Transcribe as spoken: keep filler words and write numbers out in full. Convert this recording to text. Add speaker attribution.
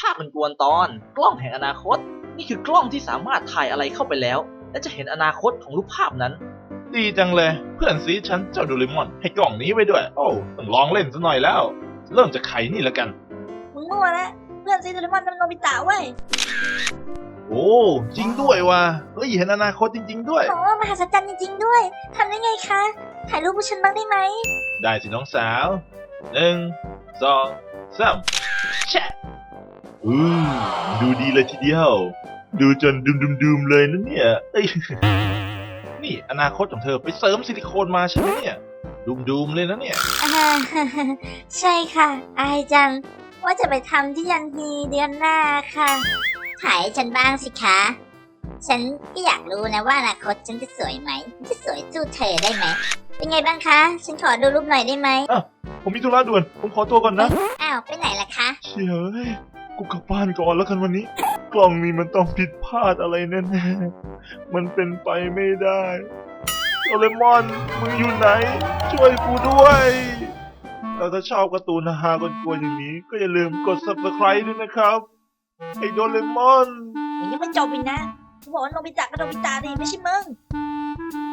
Speaker 1: าพมันกวนตอนกล้องแห่งอนาคตนี่คือกล้องที่สามารถถ่ายอะไรเข้าไปแล้วและจะเห็นอนาคตของรูปภาพนั้น
Speaker 2: ดีจังเลยเพื่อนซีฉันเจ้าโดเรมอนให้กล่องนี้ไว้ด้วยโอ้ต้องลองเล่นซะหน่อยแล้ว เริ่มจากไข่นี่แล้วกัน
Speaker 3: มึงมั่วแล้วเพื่อนซีโดเรมอนมันโนบิตะเว้ย
Speaker 2: โอ้จริงด้วยว่ะเฮ้ยเห็นอนาคตจริงๆด้วย
Speaker 3: โอ้มหัศจรรย์จริงๆด้วยทำได้ไงคะถ่ายรูปพวกฉันบ้างได้ไหม
Speaker 2: ได้สิน้องสาวหนึ่งสองสามแชะอืมดูดีเลยทีเดียว ดูจนดุมดุมดุมเลยนะเนี่ยเอ้ย นี่อนาคตของเธอไปเสริมซิลิโคนมาใช่ไหมเนี่ยดุมดุมเลยนะเนี่ย
Speaker 3: อ่า ใช่ค่ะอายจังว่าจะไปทำที่ยันฮีเดือนหน้าค่ะถ่ายให้ฉันบ้างสิคะ ฉันก็อยากรู้นะว่าอนาคตฉันจะสวยไหมจะสวยสู้เธอได้ไหมเป็นไงบ้างคะ ฉันขอดูรูปหน่อยได้ไหม
Speaker 2: ผมมีธุระด่วนผมขอตัวก่อนนะ
Speaker 3: อ้าวไปไหนล่ะคะ
Speaker 2: เชี่ยเอ้ยกูกลับบ้านก่อนแล้วกันวันนี้ กล่องนี้มันต้องผิดพลาดอะไรแน่ๆมันเป็นไปไม่ได้โดเรมอนมึงอยู่ไหน ช่วยกูด้วยแล้วถ้าชอบการ์ตูนฮาๆกวนๆอย่างนี้ ก็อย่าลืมกด ซับสไครบ์ ด้วยนะครับไอ้โดเรมอน
Speaker 3: ยังไม่จบอีกนะกูบอกว่าโนบิตะกับโนบิตะดิไม่ใช่มึง